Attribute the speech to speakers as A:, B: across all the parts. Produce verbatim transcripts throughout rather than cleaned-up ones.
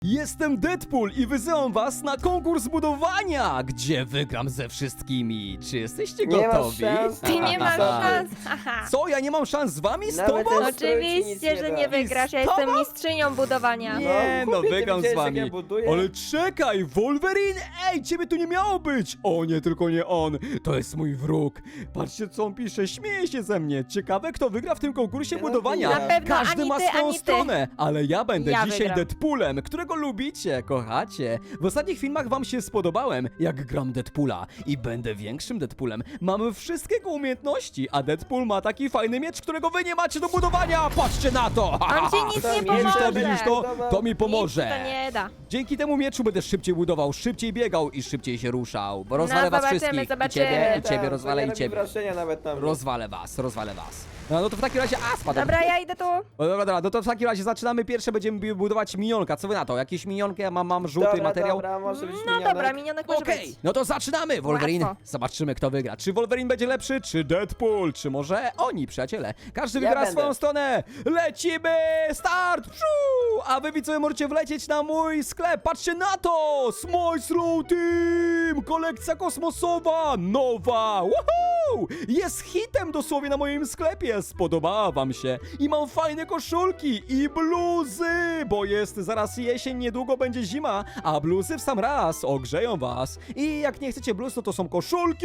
A: Jestem Deadpool i wysyłam was na konkurs budowania, gdzie wygram ze wszystkimi. Czy jesteście
B: Nie masz
A: gotowi?
B: szans.
C: Ty nie masz
B: Aha.
C: szans, haha.
A: Co, ja nie mam szans z wami? Z
B: Nawet
A: tobą?
B: ten-
C: Oczywiście, że nie wygrasz, ja
A: Z tobą?
C: jestem mistrzynią budowania.
A: Nie, no
B: głupie, ty
A: wygram z
B: widziałeś, jak
A: wami.
B: ja buduję?
A: Ale czekaj, Wolverine! Ej, ciebie tu nie miało być! O nie, tylko nie on. To jest mój wróg. Patrzcie, co on pisze, śmieje się ze mnie. Ciekawe, kto wygra w tym konkursie
B: Ja
A: budowania.
B: na
C: pewno
A: Każdy
C: ani
A: ma
C: ty,
A: swoją
C: ani ty.
A: stronę, ale ja będę
C: Ja
A: dzisiaj
C: wygram.
A: Deadpoolem, którego lubicie, kochacie. W ostatnich filmach wam się spodobałem, jak gram Deadpoola i będę większym Deadpoolem. Mamy wszystkie umiejętności, a Deadpool ma taki fajny miecz, którego wy nie macie do budowania. Patrzcie na to!
C: On ci nic
B: Tam
C: nie
B: jest,
A: Widzisz to,
C: pomoże.
A: widzisz to? To mi
C: Nic
A: pomoże.
C: to nie da.
A: Dzięki temu mieczu będę szybciej budował, szybciej biegał i szybciej się ruszał. Bo rozwalę
C: No,
A: was
C: zobaczymy,
A: wszystkich. I
C: zobaczymy.
A: ciebie, i
B: Tak,
A: ciebie,
B: to
A: rozwalę
B: nie
A: i
B: robi
A: ciebie.
B: wrażenia nawet na mnie.
A: Rozwalę was, rozwalę was. No, no to w takim razie, a spadłem.
C: Dobra, ja idę tu.
A: O, dobra, dobra, no to w takim razie zaczynamy. Pierwsze będziemy budować minionka. Co wy na to? Jakieś minionki? Ja mam, mam żółty
B: Dobra,
A: materiał.
B: Dobra, może być
C: No
B: minionek.
C: dobra, minionek może
A: Okej,
C: być.
A: no to zaczynamy, Wolverine.
C: Łatwo.
A: Zobaczymy, kto wygra. Czy Wolverine będzie lepszy, czy Deadpool, czy może oni, przyjaciele. Każdy
B: Ja
A: wygra
B: będę.
A: swoją stronę. Lecimy! Start! Pszu! A wy widzowie możecie wlecieć na mój sklep. Patrzcie na to! Smile Slow Team! Kolekcja kosmosowa! Nowa! Woohoo! Jest hitem dosłownie na moim sklepie. Spodobała wam się. I mam fajne koszulki i bluzy, bo jest zaraz jesień, niedługo będzie zima, a bluzy w sam raz ogrzeją was. I jak nie chcecie bluz, to to są koszulki.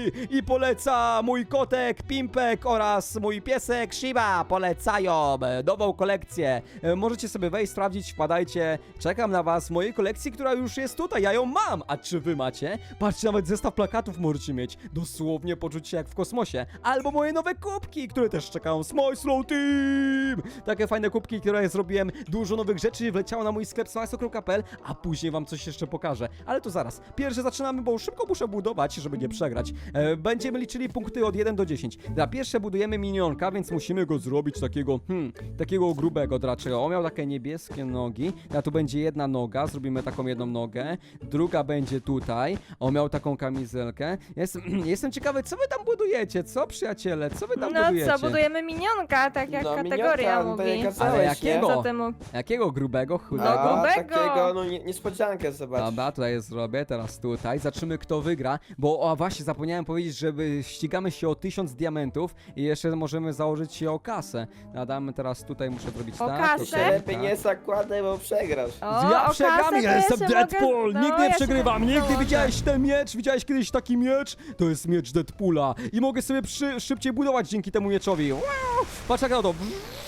A: I poleca mój kotek Pimpek oraz mój piesek Shiba. Polecają e, nową kolekcję. E, Możecie sobie wejść, sprawdzić, wpadajcie. Czekam na was w mojej kolekcji, która już jest tutaj. Ja ją mam. A czy wy macie? Patrzcie, nawet zestaw plakatów możecie mieć. Dosłownie poczuć się jak w kosmosie. Albo moje nowe kubki, które też czekają. Smile Slow Team! Takie fajne kubki, które zrobiłem. Dużo nowych rzeczy wleciało na mój sklep smajso kropka p l, a później wam coś jeszcze pokażę. Ale to zaraz. Pierwsze zaczynamy, bo szybko muszę budować, żeby nie przegrać. E, będziemy liczyli punkty od jeden do dziesięciu. Na pierwsze budujemy minionka, więc musimy go zrobić takiego, hmm, takiego grubego raczej. On miał takie niebieskie nogi. A tu będzie jedna noga, zrobimy taką jedną nogę. Druga będzie tutaj. On miał taką kamizelkę. Jestem, jestem ciekawy, co wy tam budujecie? Co, przyjaciele? Co wy tam
C: No
A: budujecie?
C: co, budujemy minionka, tak jak
B: No,
C: kategoria
B: minionka, no to
C: mówi.
B: nie kazałeś,
A: Ale
B: nie?
A: jakiego?
C: Co ty mu...
A: Jakiego grubego,
B: A,
A: chudego?
C: grubego.
B: takiego, no nie, niespodziankę zobacz.
A: Dobra, tutaj je zrobię, teraz tutaj. Zobaczymy, kto wygra. Bo, o właśnie, zapomniałem powiedzieć, że wy- ścigamy się o tysiąc diamentów i jeszcze możemy założyć się o kasę. Nadamy teraz tutaj, muszę zrobić
C: O
A: tak.
C: kasę?
B: Ty się
A: okej,
B: lepiej
A: tak.
B: nie zakładaj, bo przegrasz.
C: O,
A: Ja
C: o
A: przegram,
C: kasę to
A: ja jestem
C: się
A: Deadpool!
C: mogę...
A: Nigdy
C: no,
A: nie
C: ja się
A: przegrywam, nigdy
C: dołączę.
A: widziałeś ten miecz? Widziałeś kiedyś taki miecz? To jest miecz Deadpoola i mogę sobie przy, szybciej budować dzięki temu mieczowi. Wow! Patrz jak na to.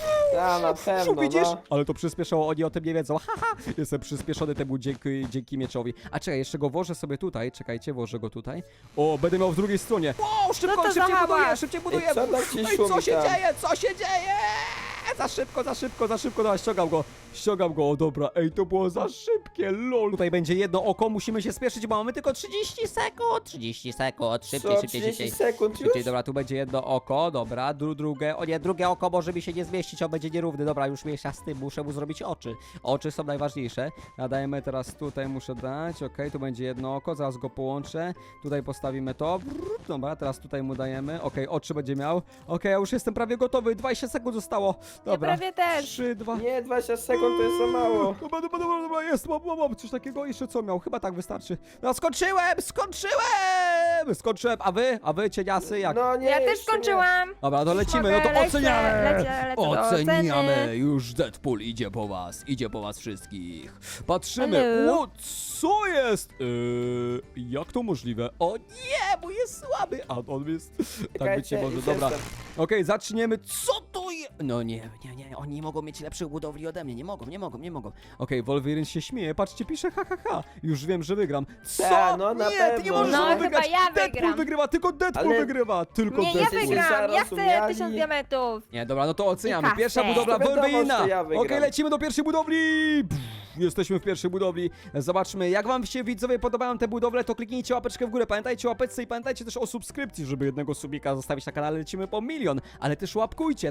B: A, na pewno,
A: Widzisz?
B: no.
A: Ale to przyspieszało, oni o tym nie wiedzą. Haha, jestem przyspieszony temu dzięki, dzięki mieczowi. A czekaj, jeszcze go włożę sobie tutaj. Czekajcie, włożę go tutaj. O, będę miał w drugiej stronie. Wow, szybko,
C: No to
A: szybciej
C: za
A: buduję,
C: hałas.
A: szybciej buduję.
B: Ej, co tam ci
A: Ej, co
B: szumi
A: się
B: tam?
A: dzieje? Co się dzieje? Za szybko, za szybko, za szybko. Dobra, ściągam go. Ściągam go, o dobra. Ej, to było za szybkie, lol. Tutaj będzie jedno oko, musimy się spieszyć, bo mamy tylko trzydzieści sekund. trzydzieści sekund, szybciej,
B: Co,
A: szybciej,
B: trzydzieści
A: szybciej.
B: sekund już?
A: Szybciej, dobra, tu będzie jedno oko, dobra, dru drugie, o nie, drugie oko może mi się nie zmieścić, on będzie nierówny, dobra, już miesza z tym, muszę mu zrobić oczy. Oczy są najważniejsze. Nadajemy teraz tutaj, muszę dać, okej, tu będzie jedno oko, zaraz go połączę, tutaj postawimy to, brrr, dobra, teraz tutaj mu dajemy, okej, oczy będzie miał, okej, ja już jestem prawie gotowy, dwadzieścia sekund zostało, dobra.
C: Ja prawie też.
A: trzy, dwa,
B: Nie, dwadzieścia sekund to jest za mało.
A: Dobra, dobra, dobra, dobra, jest, mam, mam, mam coś takiego, jeszcze co miał, chyba tak wystarczy. No skończyłem, skończyłem, skończyłem, a wy, a wy cieniasy jak?
B: No nie,
C: Ja też
B: jeszcze nie.
C: skończyłam.
A: Dobra, to lecimy,
C: Mogę,
A: no to
C: lecę,
A: oceniamy!
C: lecę, lecę do
A: Oceniamy!
C: oceny.
A: Już Deadpool idzie po was, idzie po was wszystkich. Patrzymy,
C: Hello.
A: o, co jest? Yy, jak to możliwe? O nie, bo jest słaby, a on jest... Tak być nie
B: Czekajcie,
A: może,
B: już
A: dobra.
B: jestem.
A: Okej, zaczniemy, co to jest? No nie, nie, nie, oni nie mogą mieć lepszych budowli ode mnie, nie mogą, nie mogą, nie mogą. Okej, Wolverine się śmieje, patrzcie, pisze ha, ha, ha. Już wiem, że wygram. Co?
B: Ta, no na
A: nie, ty nie
B: pewno.
A: możesz
C: No,
A: no,
C: chyba
A: wygrać.
C: ja
A: Deadpool
C: wygram.
A: wygrywa, tylko Deadpool
B: Ale-
A: wygrywa, tylko
C: Nie, ja
A: Deadpool.
C: wygram, ja chcę
B: Zarozumiali.
C: tysiąc diamentów.
A: Nie, dobra, no to oceniamy.
C: kasę.
A: Pierwsza budowla
B: To wiadomo,
A: Wolverina.
B: że ja
A: Okej,
B: wygram.
A: lecimy do pierwszej budowli. Pff, jesteśmy w pierwszej budowli. Zobaczmy, jak wam się widzowie podobają te budowle, to kliknijcie łapeczkę w górę. Pamiętajcie o łapeczce i pamiętajcie też o subskrypcji, żeby jednego subika zostawić na kanale. Lecimy po milion, ale też łapkujcie taką niebieską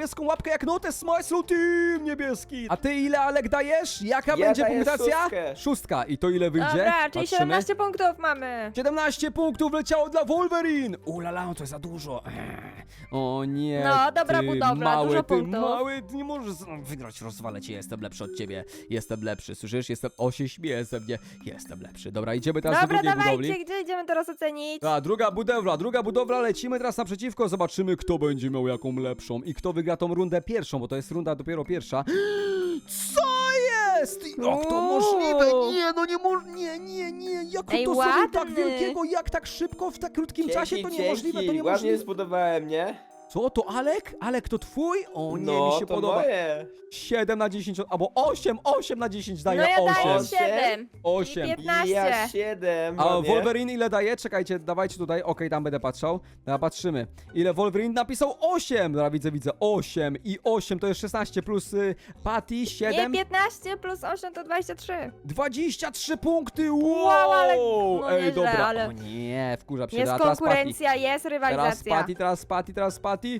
A: niebieską łapkę jak notes Smile Team niebieski. A ty ile, Alek, dajesz? Jaka
B: Ja
A: będzie
B: daję
A: punktacja?
B: szóstkę.
A: Szóstka. I to ile wyjdzie?
C: Dobra, czyli
A: Patrzymy.
C: siedemnaście punktów mamy.
A: siedemnaście punktów leciało dla Wolverine! Ulala, to jest za dużo. Eee. O nie,
C: No, dobra
A: ty
C: budowla,
A: mały,
C: dużo
A: ty
C: punktów.
A: mały, ty nie możesz z- wygrać, rozwalę cię, jestem lepszy od ciebie. Jestem lepszy, słyszysz? Jestem, o się śmieje ze mnie. Jestem lepszy. Dobra, idziemy teraz
C: Dobra,
A: do drugiej
C: dawajcie,
A: budowli.
C: gdzie idziemy teraz ocenić?
A: A, druga budowla, druga budowla, lecimy teraz naprzeciwko, zobaczymy kto będzie miał jaką lepszą i kto wygra tą rundę pierwszą, bo to jest runda dopiero pierwsza. Co jest? Jak to
C: Uuu.
A: możliwe? Nie, no nie może, nie, nie, nie, jak
C: Ej,
A: to zrobił tak
C: ładny.
A: wielkiego, jak tak szybko, w tak krótkim czasie, to
B: Dzięki,
A: niemożliwe, to
B: dzięki. Ładnie
A: niemożliwe.
B: zbudowałem, nie?
A: Co, to Alek? Alek, to twój? O nie,
B: no,
A: mi się
B: to
A: podoba.
B: moje.
A: siedem na dziesięć, albo osiem, osiem na dziesięć
C: No
A: daje
C: ja daję
A: osiem.
C: siedem.
A: osiem.
C: I piętnaście.
B: Ja siedem.
A: A
B: ładnie.
A: Wolverine ile daje? Czekajcie, dawajcie tutaj, okej, tam będę patrzał. Dobra, patrzymy. Ile Wolverine napisał? osiem! Dobra, widzę, widzę, osiem i osiem to jest szesnaście plus y, Patty,
C: Nie,
A: siedem.
C: piętnaście plus osiem to dwadzieścia trzy.
A: dwadzieścia trzy punkty, wow!
C: Wow, ale- no
A: Ej,
C: nieźle,
A: dobra,
C: ale-
A: o nie, wkurzam się.
C: Jest
A: Dobra, teraz Patty.
C: konkurencja, jest
A: Teraz
C: rywalizacja.
A: Patty, teraz Patty, teraz Patty.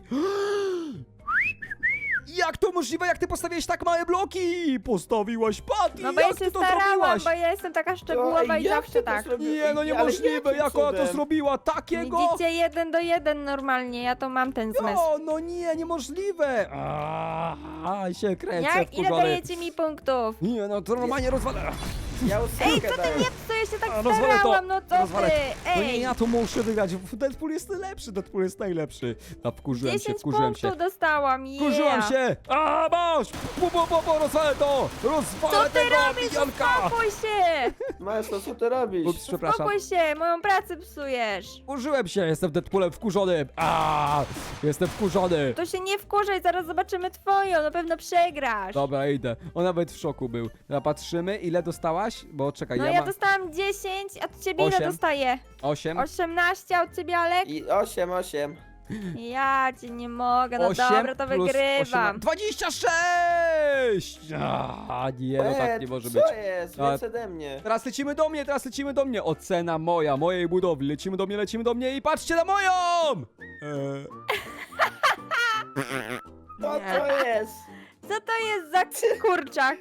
A: Jak to możliwe, jak ty postawiłeś tak małe bloki? Postawiłaś Patty,
C: No bo ja
A: jak
C: się
A: ty to
C: starałam,
A: zrobiłaś?
C: bo ja jestem taka
B: To,
C: szczegółowa i
B: jak
C: zawsze
B: ty to
C: tak.
B: zrobiłeś?
A: Nie, no
B: Ale
A: niemożliwe,
B: jakim
A: jak ona to
B: cudem?
A: zrobiła, takiego?
C: Widzicie, jeden do jeden normalnie, ja to mam ten zmysł.
A: No, no nie, niemożliwe. A, się kręcę,
C: Jak, ile
A: wkurzony.
C: dajecie mi punktów?
A: Nie, no to normalnie rozwalę.
B: Ja
C: Ej,
B: ósemkę
C: co ty
B: daję.
C: nie, co ja się tak
A: A, rozwalę to,
C: starałam, no co
A: rozwalę.
C: ty?
A: No nie,
C: Ej,
A: ja to muszę wygrać. Deadpool jest najlepszy, Deadpool jest najlepszy. A wkurzyłem się,
C: dziesięć
A: wkurzyłem
C: punktów
A: się.
C: dostałam, yeah.
A: Wkurzyłem się! A, masz! Bu, bu, bu, bu, rozwalę to! Rozwalę
C: Co ty
A: tego,
C: robisz?
A: mijanka!
C: Uspokój się!
B: Maestro, co ty robisz?
A: Ups, przepraszam.
C: Uspokój się, moją pracę psujesz.
A: Wkurzyłem się, jestem Deadpoolem wkurzonym. A, jestem wkurzony.
C: To się nie wkurzaj, zaraz zobaczymy twoją, na pewno przegrasz.
A: Dobra, idę. On nawet w szoku był. Dobra, patrzymy, ile dostałaś? Bo czekaj,
C: No
A: ja,
C: ja
A: mam
C: dostałam dziesięć, a od ciebie ile
A: Osiem.
C: dostaję?
A: osiem.
C: osiemnaście, a od ciebie Alek?
B: I osiem, osiem.
C: Ja cię nie mogę, no
A: osiem
C: dobra, to
A: plus
C: wygrywam.
A: osiemnaście. dwadzieścia sześć! A, nie, no tak nie może być.
B: Co jest?
A: A-
B: Więc ode mnie.
A: Teraz lecimy do mnie, teraz lecimy do mnie. Ocena moja, mojej budowli. Lecimy do mnie, lecimy do mnie i patrzcie na moją! Eee,
B: Co to jest?
C: Co to jest za kurczak?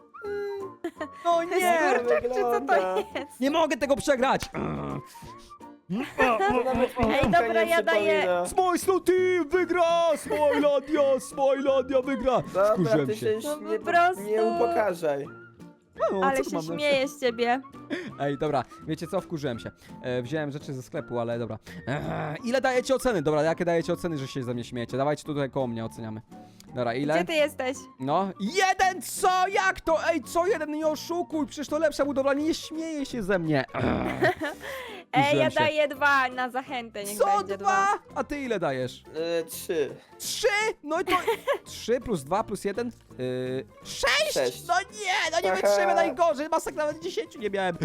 A: no
C: To jest
A: nie!
C: kurczak, czy co to
B: wygląda.
C: jest?
A: Nie mogę tego przegrać! Eee.
B: To nawet mi
C: Ej,
B: piłka
C: dobra,
B: nie
C: ja daję-
B: przypomina.
A: Smile Slow Team wygra! Smilandia, Smilandia wygra!
B: Dobra,
A: Wkurzyłem
B: ty
A: się.
B: się
C: No po
B: nie,
C: prostu.
B: nie upokarzaj.
A: No,
C: Ale
A: co tu
C: się
A: mam lepsze?
C: śmieję z ciebie.
A: Ej, dobra, wiecie co, wkurzyłem się. E, wziąłem rzeczy ze sklepu, ale dobra. Eee, ile dajecie oceny? Dobra, jakie dajecie oceny, że się ze mnie śmiejecie? Dawajcie tutaj koło mnie, oceniamy. Dobra, ile?
C: Gdzie ty jesteś?
A: No, jeden co? Jak to? Ej, co jeden? Nie oszukuj, przecież to lepsza budowla, nie śmieje się ze mnie. Eee,
C: Ej,
A: Wkurzyłem
C: ja
A: się.
C: daję dwa na zachętę, niech
A: Co
C: będzie
A: dwa? A ty ile dajesz?
B: E, trzy.
A: Trzy? No i to... Trzy plus dwa plus jeden? Yy, sześć?
B: Sześć.
A: No nie, no nie
B: Aha.
A: wytrzymę najgorzej, masakra, nawet dziesięciu nie miałem.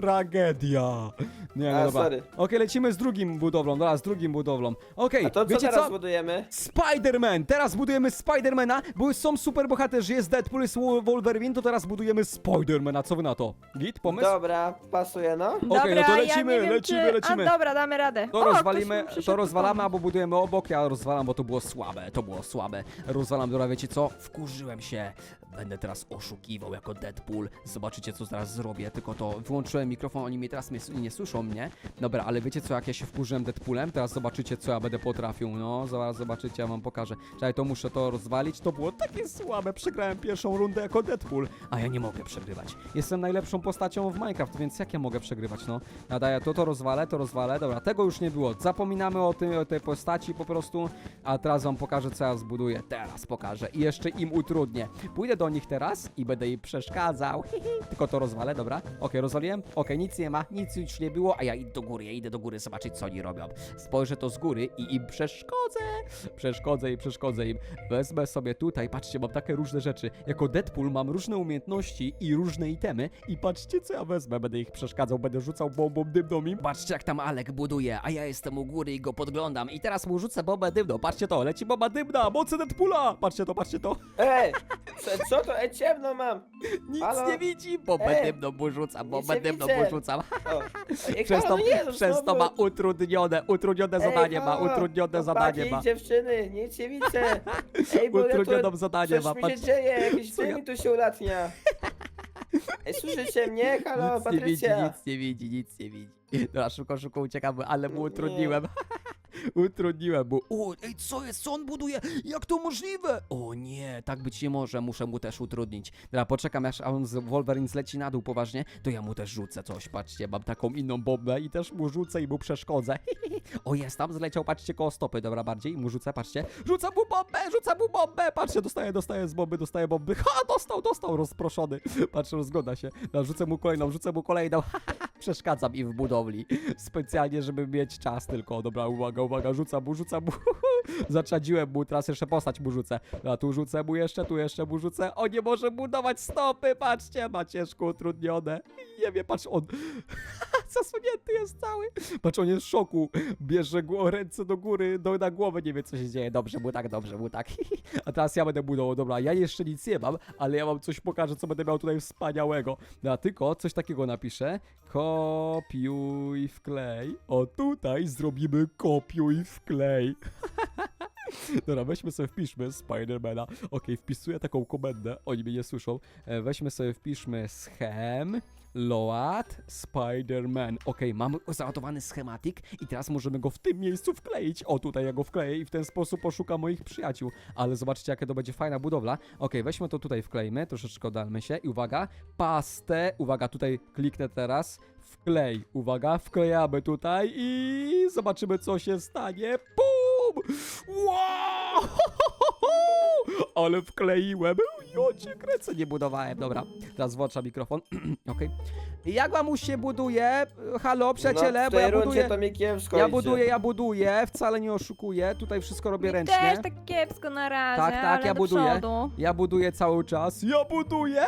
A: Tragedia. Nie, no
B: A,
A: dobra.
B: sorry.
A: Okej, lecimy z drugim budowlą, dobra, z drugim budowlą. Okej,
B: A to co
A: wiecie
B: teraz
A: co?
B: budujemy?
A: Spider-Man! Teraz budujemy Spidermana, bo są super bohaterzy, jest Deadpool, jest Wolverine, to teraz budujemy Spidermana, co wy na to? Git, pomysł?
B: Dobra, pasuje no.
A: Okej,
C: Dobra,
A: no to
C: ja
A: lecimy,
C: nie wiem,
A: lecimy,
C: czy...
A: lecimy.
C: A dobra, damy radę.
A: To
C: O,
A: rozwalimy,
C: ktoś mi przyszedł
A: to
C: tu
A: rozwalamy,
C: pomóc.
A: albo budujemy obok, ja rozwalam, bo to było słabe, to było słabe. Rozwalam, dobra, wiecie co? Wkurzyłem się. Będę teraz oszukiwał jako Deadpool. Zobaczycie, co zaraz zrobię, tylko to wyłączyłem mikrofon, oni mnie teraz mnie, nie słyszą mnie. Dobra, ale wiecie co, jak ja się wkurzyłem Deadpoolem, teraz zobaczycie, co ja będę potrafił. No, zaraz zobaczycie, ja wam pokażę. Czekaj, to muszę to rozwalić, to było takie słabe. Przegrałem pierwszą rundę jako Deadpool, a ja nie mogę przegrywać. Jestem najlepszą postacią w Minecraft, więc jak ja mogę przegrywać, no? Nadaję to, to rozwalę, to rozwalę. Dobra, tego już nie było. Zapominamy o, tym, o tej postaci po prostu, a teraz wam pokażę, co ja zbuduję. Teraz pokażę i jeszcze im utrudnię. Pójdę do nich teraz i będę im przeszkadzał. Tylko to rozwalę, dobra? Okej, rozwaliłem? Okej, nic nie ma, nic już nie było, a ja idę do góry, ja idę do góry zobaczyć, co oni robią. Spojrzę to z góry i im przeszkodzę. Przeszkodzę i przeszkodzę im. Wezmę sobie tutaj, patrzcie, mam takie różne rzeczy. Jako Deadpool mam różne umiejętności i różne itemy i patrzcie, co ja wezmę. Będę ich przeszkadzał, będę rzucał bombą dymną im. Patrzcie, jak tam Alek buduje, a ja jestem u góry i go podglądam. I teraz mu rzucę bombę dymną. Patrzcie to, leci bomba dymna, mocy Deadpoola. Patrzcie to, patrzcie to.
B: Ej! Co, Co to? Ej, ciemno mam.
A: Nic
B: Halo?
A: nie widzi, bo
B: Ej,
A: będę mną rzucam, bo
B: nic nie
A: będę mną
B: widzę.
A: rzucam.
B: O. Ej,
A: Przez
B: halo,
A: to,
B: no nie, no
A: przez to
B: znowu.
A: ma utrudnione, utrudnione
B: Ej,
A: zadanie ma,
B: halo,
A: utrudnione
B: chłopaki,
A: zadanie ma.
B: dziewczyny, nic nie widzę. Ej, bo ja
A: Utrudnioną
B: tu,
A: zadanie
B: coś
A: ma,
B: mi
A: patrz.
B: się dzieje, jakiś
A: Co ja-
B: dym mi tu się ulatnia. Ej, słyszycie mnie? Halo,
A: Nic nie widzi,
B: Patrycja.
A: nic nie widzi, nic nie widzi. Dobra, szybko, szybko uciekamy, ale mu
B: Nie.
A: utrudniłem. Utrudniłem mu. O, ej, co jest? Co on buduje? Jak to możliwe? O nie, tak być nie może, muszę mu też utrudnić. Dobra, poczekam, aż on z Wolverine zleci na dół poważnie, to ja mu też rzucę coś, patrzcie, mam taką inną bombę i też mu rzucę i mu przeszkodzę. O, jest tam, zleciał, patrzcie, koło stopy, dobra, bardziej, i mu rzucę, patrzcie. Rzucam mu bombę, rzucam mu bombę, patrzcie, dostaję, dostaję z bomby, dostaję bomby. Ha, dostał, dostał, rozproszony. Patrzę, rozgoda się. Dobra, rzucę mu kolejną, rzucę mu kolejną. Przeszkadzam im w budowli. Specjalnie, żeby mieć czas tylko. Dobra, uwaga, uwaga, rzucam mu, rzucam mu. Zaczadziłem mu, teraz jeszcze postać mu rzucę. A tu rzucę mu jeszcze, tu jeszcze mu rzucę. O, nie może budować stopy, patrzcie, ma ciężko utrudnione. Nie wiem, patrz, on zasunięty jest cały. Patrz, on jest w szoku. Bierze gło- ręce do góry, do, na głowę, nie wie, co się dzieje. Dobrze mu tak, dobrze mu tak. A teraz ja będę budował. Dobra, ja jeszcze nic nie mam, ale ja wam coś pokażę, co będę miał tutaj wspaniałego. No, tylko coś takiego napiszę. Kopiuj wklej. O, tutaj zrobimy kopiuj wklej. Dobra, weźmy sobie, wpiszmy Spidermana. Okej, wpisuję taką komendę, oni mnie nie słyszą. E, weźmy sobie, wpiszmy schem, load, Spiderman. Okej, mamy zanotowany schematik i teraz możemy go w tym miejscu wkleić. O, tutaj ja go wkleję i w ten sposób poszukam moich przyjaciół. Ale zobaczcie, jaka to będzie fajna budowla. Okej, weźmy to tutaj, wklejmy, troszeczkę oddalmy się i uwaga, pastę, uwaga, tutaj kliknę teraz, wklej, uwaga, wklejamy tutaj i zobaczymy, co się stanie. Pum! Wow! Ale wkleiłem. Ja cię kręcę, nie budowałem. Dobra, teraz włączam mikrofon. Okej. Jak wam się buduje? Halo, przyjaciele,
B: no, w
A: bo
B: tej
A: ja
B: rundzie
A: buduję.
B: to mi kiepsko
A: Ja
B: idzie.
A: buduję, ja buduję, wcale nie oszukuję. Tutaj wszystko robię
C: Mi
A: ręcznie.
C: też tak kiepsko na razie,
A: Tak, tak,
C: ale
A: ja
C: do
A: buduję.
C: przodu.
A: Ja buduję cały czas. Ja buduję!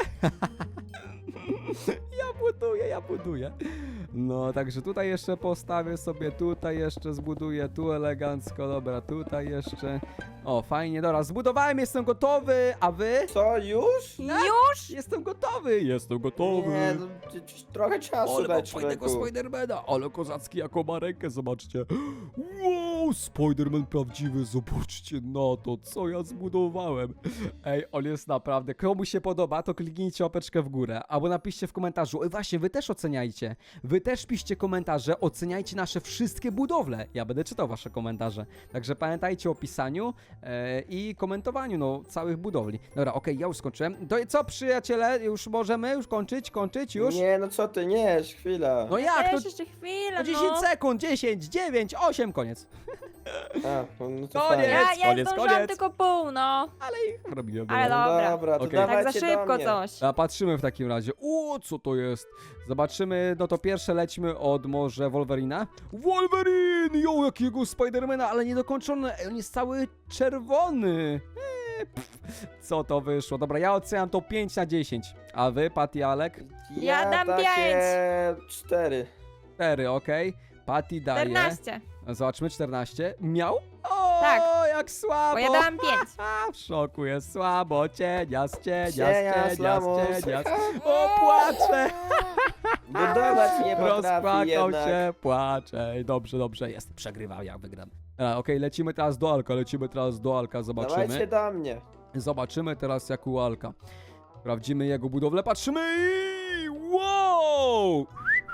A: Ja buduję, ja buduję. No, także tutaj jeszcze postawię sobie, tutaj jeszcze zbuduję, tu elegancko, dobra, tutaj jeszcze. O, fajnie, dobra, zbudowałem, jestem gotowy, a wy?
B: Co, już?
C: Już?
A: Jestem gotowy, jestem gotowy.
B: Nie, no, c- c- trochę czasu
A: Ale mam
B: dać,
A: fajnego
B: człowieku.
A: Spidermana, ale kozacki jaką ma rękę, zobaczcie. Wow, Spiderman prawdziwy, zobaczcie na to, co ja zbudowałem. Ej, on jest naprawdę, komu się podoba, to kliknijcie łapeczkę w górę, albo napiszcie w komentarzu, ej właśnie, wy też oceniajcie, wy też piszcie komentarze, oceniajcie nasze wszystkie budowle, ja będę czytał wasze komentarze, także pamiętajcie o pisaniu e, i komentowaniu, no, całych budowli. Dobra, okej, ja już skończyłem. To co, przyjaciele, już możemy już kończyć, kończyć już?
B: Nie, no co ty, nie, chwila.
A: No jak,
C: Też
A: to
C: jeszcze chwilę,
A: no dziesięć
C: no.
A: sekund, dziesięć, dziewięć, osiem, koniec.
B: A, no to
A: Koniec.
B: fajnie.
C: Ja, ja
A: Koniec,
C: zdążyłam
A: koniec.
C: tylko pół, no.
A: Ale ich robiłem.
C: Ale
A: dobra.
C: dobra.
B: Dobra, to
A: Okej.
C: Tak za
B: dawajcie do
C: szybko
B: mnie.
C: coś.
A: A patrzymy w takim razie. O, co to jest? Zobaczymy, no to pierwsze lećmy od może Wolverina. Wolverine! Jo, jakiego Spidermana, ale niedokończony. Ej, on jest cały czerwony. Eee, pff, co to wyszło? Dobra, ja oceniam to pięć na dziesięć. A wy, Patty, Alek?
C: Ja dam
B: takie cztery.
A: cztery, okej. Patty daje.
C: czternaście.
A: Zobaczmy, czternaście. Miał? O,
C: Tak.
A: jak słabo.
C: Bo ja dałam pięć.
A: A, w szoku jest słabo, cienias, cienias,
B: Cienias,
A: cienias,
B: lamus.
A: cienias. O, płaczę!
B: Budować nie potrafi
A: Rozpłakał
B: jednak.
A: się, płacze. Ej, dobrze, dobrze, jest. Przegrywam, jak wygram. A, Okej, lecimy teraz do Alka, lecimy teraz do Alka,
B: Dawajcie
A: zobaczymy.
B: do mnie.
A: Zobaczymy teraz jak u Alka. Sprawdzimy jego budowlę, patrzymy i... Wow!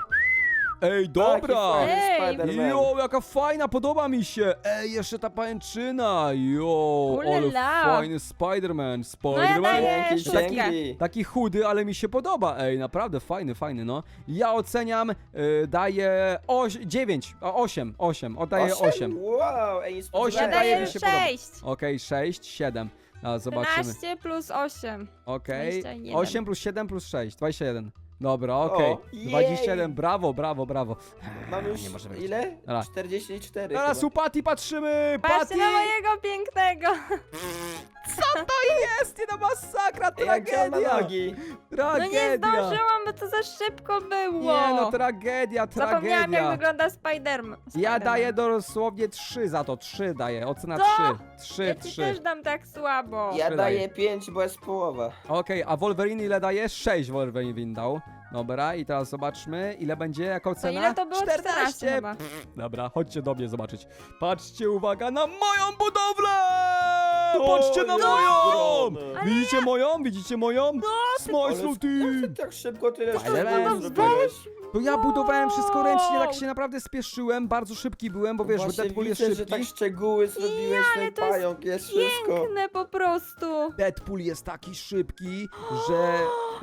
A: Ej, dobra!
B: Taki fajny
C: Ej.
B: Spiderman.
A: Jo, jaka fajna, podoba mi się! Ej, jeszcze ta pajęczyna! Jo, ale
C: Ulala.
A: fajny Spider-Man!
C: No ja
A: Spider-Man!
C: daję
B: Dzięki,
C: szóstkę.
B: dzięki.
A: Taki chudy, ale mi się podoba, ej, naprawdę fajny, fajny, no. Ja oceniam, y, daję dziewięć, a osiem, osiem, oddaję osiem.
B: Wow, ej, nie
C: Ja
A: Osiem
B: spodziewałem
A: daje
C: daję
A: mi się podoba.
C: sześć.
A: Okej, sześć, siedem. A, zobaczymy.
C: trzynaście plus osiem.
A: Okej,
C: dwadzieścia jeden.
A: osiem plus siedem plus sześć, dwadzieścia jeden. Dobra, okej.
B: O, jej.
A: dwadzieścia jeden, brawo, brawo, brawo.
B: Mam już
A: Nie może być.
B: ile?
A: Dobra.
B: czterdzieści cztery
A: Teraz
B: chyba.
A: u Patty patrzymy!
C: Patrzcie
A: Patty!
C: na mojego pięknego.
A: Co to jest? Nie no masakra,
B: Ej, jak on ma
A: tragedia!
B: nogi?
C: No
A: Tragedia!
C: nie zdążyłam no to za szybko było.
A: Nie no, tragedia,
C: Zapomniałam, jak
A: tragedia.
C: wygląda Spiderman.
A: Ja
C: Spiderman.
A: daję dosłownie trzy za to, trzy daję, ocena
C: Co?
A: trzy. trzy,
C: Ja ci
A: trzy.
C: też dam tak słabo.
B: Ja
A: Trzy
B: daję pięć, bo jest połowa.
A: Okej, a Wolverine ile daje? sześć Wolverine dał. Dobra, i teraz zobaczmy, ile będzie, jaką
C: To
A: cena?
C: ile to było? czternaście chyba.
A: Dobra, chodźcie do mnie zobaczyć. Patrzcie, uwaga, na moją budowlę! Patrzcie na
B: O,
A: moją!
B: ogromne.
A: Widzicie moją? Widzicie moją?
C: No,
A: Smile
B: Ale
A: Slow
B: jak
A: Team!
B: ty tak szybko tyle
A: To
B: wszystkiego
A: to
B: zrobiłeś?
A: To ja budowałem wszystko ręcznie, tak
C: Wow.
A: się naprawdę spieszyłem, bardzo szybki byłem, bo wiesz,
B: Właśnie
A: Deadpool jest
B: widzę,
A: szybki.
B: że tak szczegóły zrobiłeś,
C: ale
B: ten
C: to jest
B: pająk, jest wszystko.
C: Piękne po prostu.
A: Deadpool jest taki szybki, że,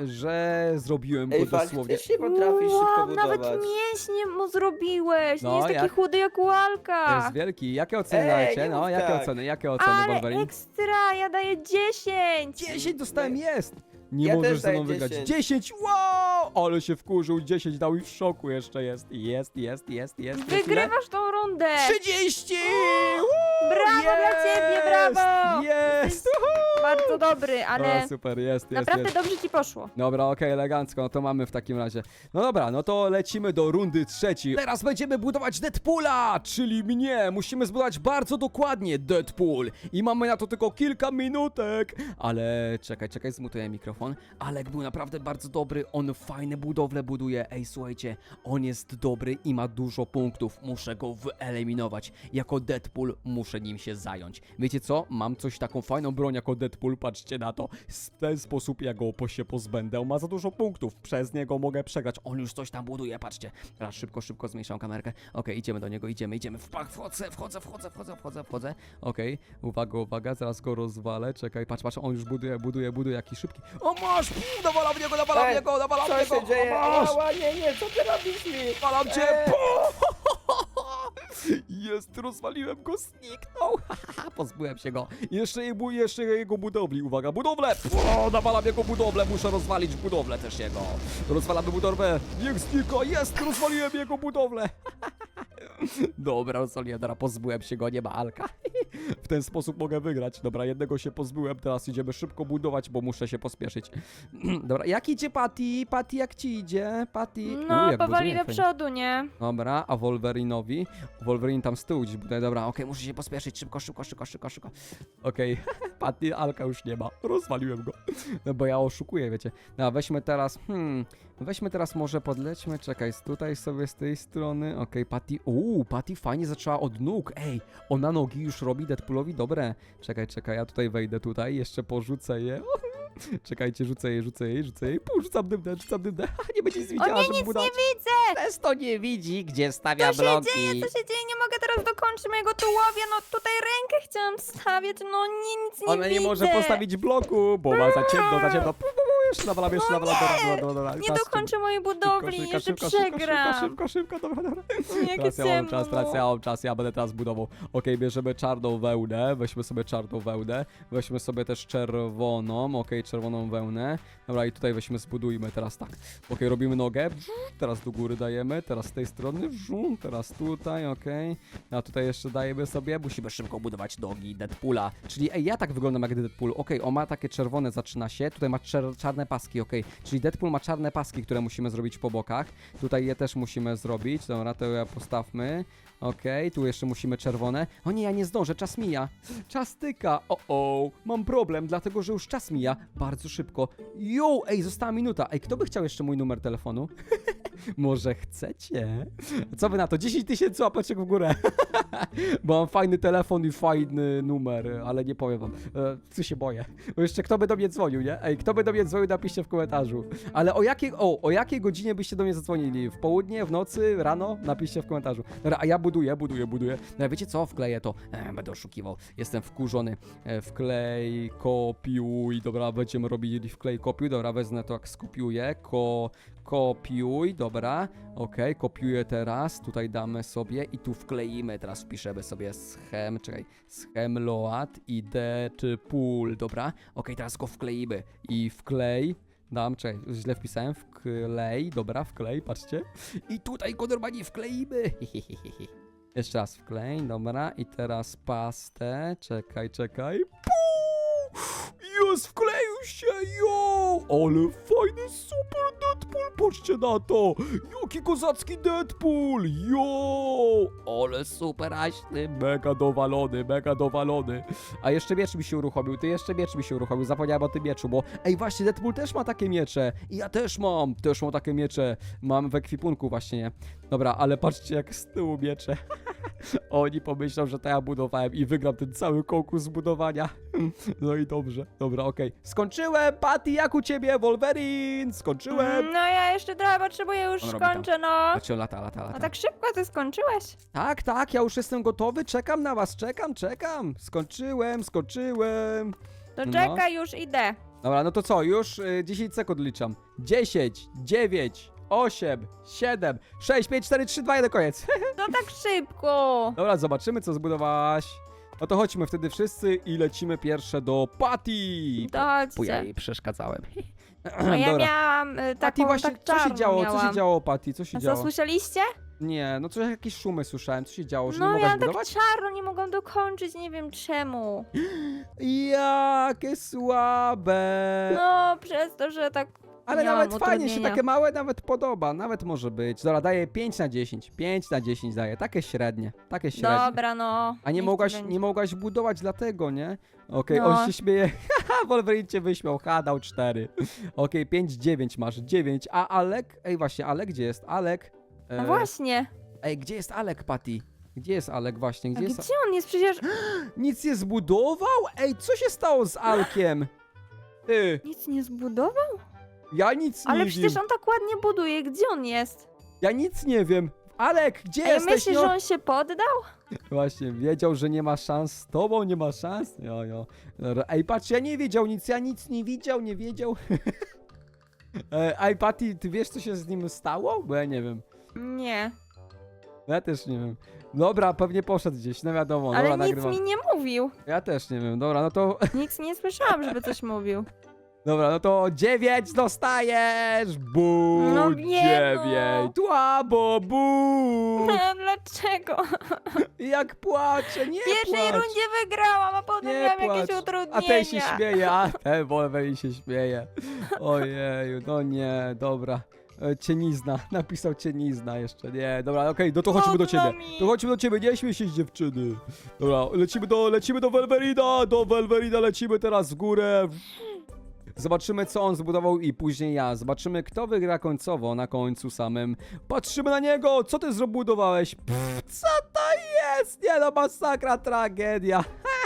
A: że zrobiłem go
B: Ej,
A: dosłownie.
B: faktycznie potrafisz szybko
C: Wow, nawet
B: budować.
C: mięśnie mu zrobiłeś.
A: No,
C: Nie jest taki
A: jak-
C: chudy jak Łalka.
A: Jest wielki. Jakie oceny
B: Ej,
A: dajecie?
B: nie
A: No,
B: mów
A: jakie
B: tak.
A: oceny? Jakie oceny,
C: Ale
A: Wolverine?
C: ekstra, ja daję dziesięć.
A: dziesięć dostałem, jest! Nie
B: Ja
A: możesz
B: też
A: ze mną
B: daję
A: wygrać.
B: dziesięć.
A: dziesięć, wow! Ale się wkurzył, dziesięć dał i w szoku jeszcze jest. Jest, jest, jest, jest. jest. Ile?
C: Wygrywasz tą rundę.
A: trzydzieści! Woo!
C: Brawo dla ciebie, brawo!
A: Jest!
C: Bardzo dobry, ale
A: O, super, jest, jest,
C: naprawdę
A: jest.
C: dobrze ci poszło.
A: Dobra, okej, elegancko, no to mamy w takim razie. No dobra, no to lecimy do rundy trzeciej. Teraz będziemy budować Deadpoola, czyli mnie. Musimy zbudować bardzo dokładnie Deadpool. I mamy na to tylko kilka minutek. Ale czekaj, czekaj, zmutuję mikrofon. Alek był naprawdę bardzo dobry, on fajne budowle buduje. Ej, słuchajcie, on jest dobry i ma dużo punktów. Muszę go wyeliminować. Jako Deadpool muszę nim się zająć. Wiecie co? Mam coś taką fajną broń jako Deadpool, patrzcie na to. W ten sposób ja go po się pozbędę. On ma za dużo punktów, przez niego mogę przegrać. On już coś tam buduje, patrzcie. Teraz szybko, szybko zmniejszam kamerkę. Okej, idziemy do niego, idziemy, idziemy. Wpa- Wchodzę, wchodzę, wchodzę, wchodzę, wchodzę, wchodzę. Okej, uwaga, uwaga, zaraz go rozwalę. Czekaj, patrz, patrz, on już buduje, buduje, buduje, jaki szybki. O masz! Puu, Nawalam w niego, nawalam w
B: Ej,
A: niego, nawalam w
B: Co
A: niego!
B: się dzieje?
A: O, masz!
B: Ała, nie, nie, co ty robisz mi?
A: Nawalam cię!
B: Ej.
A: Puu! Jest, rozwaliłem go, zniknął! Pozbyłem się go. Jeszcze, jego- jeszcze jego budowli, uwaga, budowlę! O, nawalam jego budowlę, muszę rozwalić budowlę też jego. Rozwalamy budowlę, niech znika, jest, rozwaliłem jego budowlę. Dobra, rozwaliłem, teraz pozbyłem się go, nie ma Alka. W ten sposób mogę wygrać. Dobra, jednego się pozbyłem, teraz idziemy szybko budować, bo muszę się pospieszyć. Dobra, jak idzie Patty? Patty, jak ci idzie? Patty?
C: No,
A: U, jak
C: powoli
A: buduje,
C: do
A: fajnie.
C: przodu, nie?
A: Dobra, a Wolverinowi? Wolverine tam z tyłu gdzieś buduje. Dobra, okej, muszę się pospieszyć. Szybko, szybko, szybko, szybko, szybko. Okej, Patty, Alka już nie ma. Rozwaliłem go. No bo ja oszukuję, wiecie. No, weźmy teraz, hmm, weźmy teraz może podlećmy. Czekaj, z tutaj sobie z tej strony. Okej, Patty, uuu, Patty fajnie zaczęła od nóg. Ej, ona nogi już robi Deadpoolowi dobre. Czekaj, czekaj, ja tutaj wejdę tutaj, jeszcze porzucę je. Czekajcie, rzucę je, rzucę je, rzucę je. Pół, rzucam dymne, rzucam dymne. Nie będzie nic
C: O
A: widziała,
C: nie,
A: żeby
C: nic
A: budować.
C: nie widzę!
A: Też to nie widzi, gdzie stawia
C: Co się
A: bloki.
C: dzieje, co się dzieje? Nie mogę teraz dokończyć mojego tułowia. No tutaj rękę chciałam wstawiać, no nie, nic nie
A: Ona
C: widzę.
A: nie może postawić bloku, bo ma za ciemno, za ciemno. Pu, pu, pu, jeszcze nawalam, jeszcze nawalam. Dobra, dobra, dobra.
C: Nie
A: Teraz
C: dokończę mojej budowli,
A: szybko,
C: jeszcze
A: szybko, szybko,
C: przegram.
A: Szybko, szybko, szybko, dobra, dobra.
C: Jakie
A: Teraz ja mam
C: ciemno,
A: czas, teraz
C: no.
A: ja mam czas, ja będę teraz budował. Okej, bierzemy czarną wełnę, weźmy sobie czarną wełnę, weźmy sobie też czerwoną, okej, czerwoną wełnę. Dobra, i tutaj weźmy, zbudujmy teraz tak. Okej, robimy nogę, teraz do góry dajemy, teraz z tej strony, teraz tutaj, okej. A tutaj jeszcze dajemy sobie, musimy szybko budować nogi Deadpoola. Czyli, ej, ja tak wyglądam jak Deadpool. Okej, on ma takie czerwone, zaczyna się, tutaj ma czer czarne paski, okej. Czyli Deadpool ma czarne paski, które musimy zrobić po bokach. Tutaj je też musimy zrobić, dobra, to ja postawmy. Okej, tu jeszcze musimy czerwone. O nie, ja nie zdążę, czas mija. Czas tyka. O, o, mam problem, dlatego że już czas mija bardzo szybko. Jo, ej, została minuta. Ej, kto by chciał jeszcze mój numer telefonu? Może chcecie? Co wy na to? dziesięć tysięcy łapeczek w górę. Bo mam fajny telefon i fajny numer, ale nie powiem wam. E, co się boję. Bo jeszcze kto by do mnie dzwonił, nie? Ej, kto by do mnie dzwonił, napiszcie w komentarzu. Ale o jakiej, o, o jakiej godzinie byście do mnie zadzwonili? W południe, w nocy, rano? Napiszcie w komentarzu. Dobra, a ja buduję, buduję, buduję. No wiecie co? Wkleję to. E, będę oszukiwał. Jestem wkurzony. E, wklej, kopiuj. Dobra, będziemy robili wklej, kopiuj. Dobra, wezmę to jak skopiuję. Ko... Kopiuj, dobra, okej, okay, kopiuję teraz, tutaj damy sobie i tu wkleimy, teraz wpiszemy sobie schem, czekaj, schem load i d czy pool, dobra, okej, okay, teraz go wkleimy i wklej, dam, czekaj, źle wpisałem, wklej, dobra, wklej, patrzcie, i tutaj go normalnie wkleimy, jeszcze raz wklej, dobra, i teraz pastę, czekaj, czekaj, Jest, wkleił się, jo! Ale fajny, super Deadpool, patrzcie na to! Jaki kozacki Deadpool! Jo! Ale super aśny, mega dowalony, mega dowalony. A jeszcze miecz mi się uruchomił, ty jeszcze miecz mi się uruchomił, zapomniałem o tym mieczu, bo ej, właśnie Deadpool też ma takie miecze i ja też mam, też mam takie miecze, mam w ekwipunku właśnie, nie? Dobra, ale patrzcie jak z tyłu miecze. Oni pomyślą, że to ja budowałem i wygram ten cały konkurs zbudowania. No i dobrze, dobra, okej. Skończyłem, Patty, jak u ciebie, Wolverine? Skończyłem.
C: No ja jeszcze trochę potrzebuję, już
A: On robi tam.
C: skończę, no.
A: Patrzcie, lata, lata,
C: No
A: lata.
C: tak szybko ty skończyłeś?
A: Tak, tak, ja już jestem gotowy, czekam na was, czekam, czekam. Skończyłem, skończyłem.
C: To
A: No.
C: czekaj, już idę.
A: Dobra, no to co, już y, dziesięć sekund liczam. dziesięć, dziewięć, osiem, siedem, sześć, pięć, cztery, trzy, dwa, jeden, koniec.
C: To tak szybko.
A: Dobra, zobaczymy co zbudowałaś. No to chodźmy wtedy wszyscy i lecimy pierwsze do Patty.
C: To
A: Bo ja
C: chodźcie.
A: jej przeszkadzałem.
C: No ja
A: Dobra.
C: miałam y,
A: Patty,
C: taką,
A: właśnie,
C: tak
A: co się
C: czarną
A: działo, co
C: miałam.
A: się działo, Patty, co się
C: A co,
A: działo?
C: słyszeliście?
A: Nie, no coś, jakieś szumy słyszałem, co się działo, że
C: No
A: nie mogłaś
C: miałam tak
A: budować?
C: czarno, nie mogłam dokończyć, nie wiem czemu.
A: Jakie słabe.
C: No, przez to, że tak
A: Ale
C: miałam
A: nawet fajnie się,
C: utrudnienia.
A: takie małe nawet podoba, nawet może być. Dobra, daję pięć na dziesięć, pięć na dziesięć daję, takie średnie, takie średnie.
C: Dobra, no.
A: A nie
C: niech ci
A: mogłaś,
C: będzie.
A: nie mogłaś budować dlatego, nie? Okej,
C: No.
A: on się śmieje. Haha, Wolverine cię wyśmiał, ha, dał cztery. Okej, pięć, dziewięć masz, dziewięć. A Alek? Ej, właśnie, Alek, gdzie jest? Alek?
C: No
A: E,
C: właśnie.
A: Ej, gdzie jest Alek, Patty? Gdzie jest Alek właśnie?
C: A
A: Gdzie
C: gdzie
A: jest...
C: on jest? Przecież
A: Nic nie zbudował? Ej, co się stało z Alkiem? Ty,
C: nic nie zbudował?
A: ja nic nie
C: Ale
A: wiem.
C: przecież on tak ładnie buduje. Gdzie on jest?
A: Ja nic nie wiem. Alek, gdzie
C: Ej,
A: jesteś?
C: myślisz,
A: no?
C: że on się poddał?
A: Właśnie, wiedział, że nie ma szans z tobą, nie ma szans. Jo, jo. Dobra, ej, patrz, ja nie wiedział nic, ja nic nie widział, nie wiedział. E, Ej, Patty, ty wiesz, co się z nim stało? Bo ja nie wiem.
C: Nie.
A: Ja też nie wiem. Dobra, pewnie poszedł gdzieś, no wiadomo,
C: Ale
A: dobra,
C: nic
A: nagrywam.
C: mi nie mówił.
A: Ja też nie wiem, dobra, no to,
C: Nic nie słyszałam, żeby coś mówił.
A: dobra, no to dziewięć dostajesz! Bu,
C: No nie, no.
A: dziewięć, słabo, bu!
C: Dlaczego?
A: Jak płaczę, nie
C: W pierwszej
A: płacz.
C: rundzie wygrałam, a potem
A: Nie
C: miałam
A: płacz.
C: jakieś
A: A
C: utrudnienia.
A: ten się śmieje, a ten Wolverine się śmieje. Ojeju, no nie, dobra. E, Cienizna, napisał cienizna jeszcze, nie, dobra, okej, no to chodźmy do
C: Trudno
A: ciebie.
C: mi.
A: To chodźmy do ciebie, nie śmiej się z dziewczyny. Dobra, lecimy do, lecimy do Wolverina, do Wolverina lecimy teraz w górę. Zobaczymy, co on zbudował i później ja. Zobaczymy, kto wygra końcowo na końcu samym. Patrzymy na niego! Co ty zbudowałeś? Pff, co to jest? Nie no, masakra, tragedia.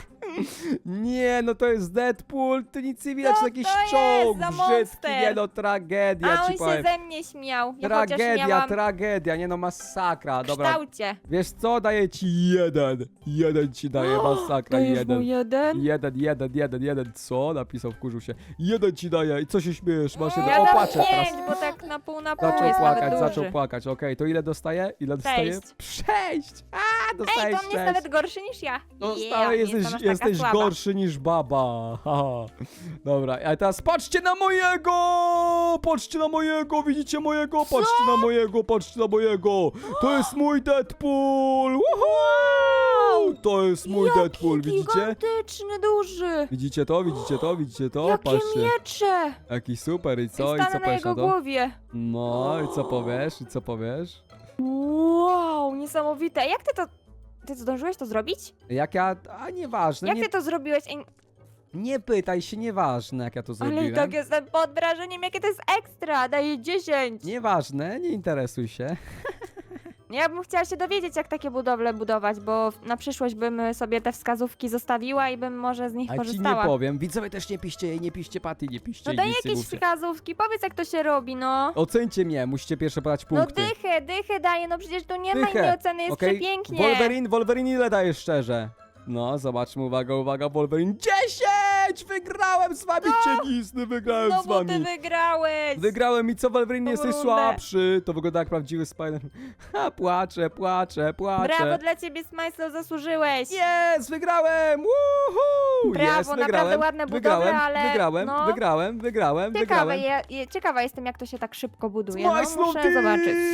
A: Nie, no to jest Deadpool, tu nic nie widać,
C: Co
A: to jakiś
C: to jest
A: czołg
C: za
A: brzydki,
C: monster?
A: nie no, tragedia
C: A on
A: ci powiem.
C: się ze mnie śmiał. Ja chociaż
A: Tragedia,
C: miałam
A: tragedia, nie no, masakra,
C: w
A: dobra.
C: kształcie.
A: Wiesz co, daję ci jeden. Jeden ci daję, masakra,
C: Dajesz
A: jeden.
C: mu jeden?
A: Jeden, jeden, jeden, jeden, co? Napisał, wkurzył się. Jeden ci daje i co się śmiejesz? Masz jeden.
C: Ja
A: O,
C: dam
A: płaczę teraz.
C: pięć, bo tak na pół na pół
A: Zaczął
C: jest
A: płakać,
C: nawet
A: zaczął
C: duży.
A: płakać. Okej, to ile dostaje? Ile dostaje?
C: Sześć.
A: Sześć! A,
C: Ej,
A: dostajesz
C: to on jest
A: sześć.
C: nawet gorszy niż ja.
A: Dostałeś,
C: Yeah,
A: jesteś,
C: jestem aż taka
A: jesteś
C: słaba.
A: gorszy niż baba. Haha. Dobra, a teraz patrzcie na mojego! Patrzcie na mojego, widzicie mojego? Patrzcie na mojego, patrzcie na mojego! To jest mój Deadpool! Woohoo! To jest mój
C: Jaki
A: Deadpool, widzicie?
C: gigantyczny, duży.
A: Widzicie to, widzicie to, widzicie to?
C: Jakie
A: Patrzcie.
C: miecze.
A: Jaki super i co? I
C: Stanę
A: co
C: na
A: powiesz na
C: jego
A: to?
C: głowie.
A: No, i co powiesz? I co powiesz?
C: Wow, niesamowite. Jak ty to... Ty zdążyłeś to zrobić?
A: Jak ja... A nieważne,
C: Jak
A: nie,
C: ty to zrobiłeś? Ej,
A: nie pytaj się, nieważne jak ja to zrobiłem.
C: ale i tak jestem pod wrażeniem, jakie to jest ekstra. Daję dziesięć.
A: Nieważne, nie interesuj się.
C: Ja bym chciała się dowiedzieć, jak takie budowle budować, bo na przyszłość bym sobie te wskazówki zostawiła i bym może z nich
A: A ci nie
C: korzystała.
A: powiem. Widzowie też nie piszcie jej, nie piszcie Paty, nie piszcie
C: No
A: jej,
C: daj
A: nic nie
C: jakieś
A: mówcie.
C: wskazówki, powiedz jak to się robi, no.
A: Ocencie mnie, musicie pierwsze podać
C: No
A: punkty.
C: dychę, dychę daję, no przecież tu nie ma
A: Dychę.
C: innej oceny, jest
A: Okej?
C: przepięknie.
A: Wolverine, Wolverine ile dajesz szczerze? No, zobaczmy, uwaga, uwaga, Wolverine. dziesięć! Wygrałem z wami, cienizny, wygrałem
C: No
A: z
C: bo
A: wami.
C: ty wygrałeś.
A: Wygrałem i co, Wolverine,
C: Tą
A: jesteś
C: rundę.
A: słabszy. To wygląda jak prawdziwy Spider. Ha, płaczę, płaczę, płaczę.
C: Brawo dla ciebie, Smajslow, zasłużyłeś.
A: Jest, wygrałem! Woohoo!
C: Brawo,
A: Jest,
C: naprawdę
A: wygrałem,
C: ładne budowle,
A: wygrałem,
C: ale
A: wygrałem,
C: no.
A: wygrałem, wygrałem,
C: Ciekawe,
A: wygrałem.
C: je, je, ciekawa jestem, jak to się tak szybko buduje. No,
A: Smajslow
C: muszę zobaczyć.
A: Team!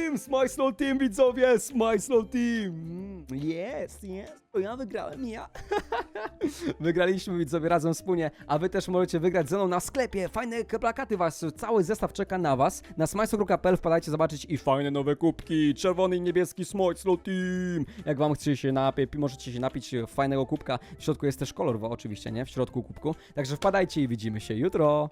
A: Team! Smile Team, widzowie! Smile Team! Mm, Jest, jest. To ja wygrałem, ja. Wygraliśmy, widzowie, razem wspólnie, a wy też możecie wygrać ze mną na sklepie. Fajne plakaty was, cały zestaw czeka na was. Na smajslo kropka p l wpadajcie zobaczyć i fajne nowe kubki. Czerwony i niebieski Smile Team. Jak wam chcecie się napić, możecie się napić fajnego kubka. W środku jest też kolor, oczywiście, nie? W środku kubku. Także wpadajcie i widzimy się jutro.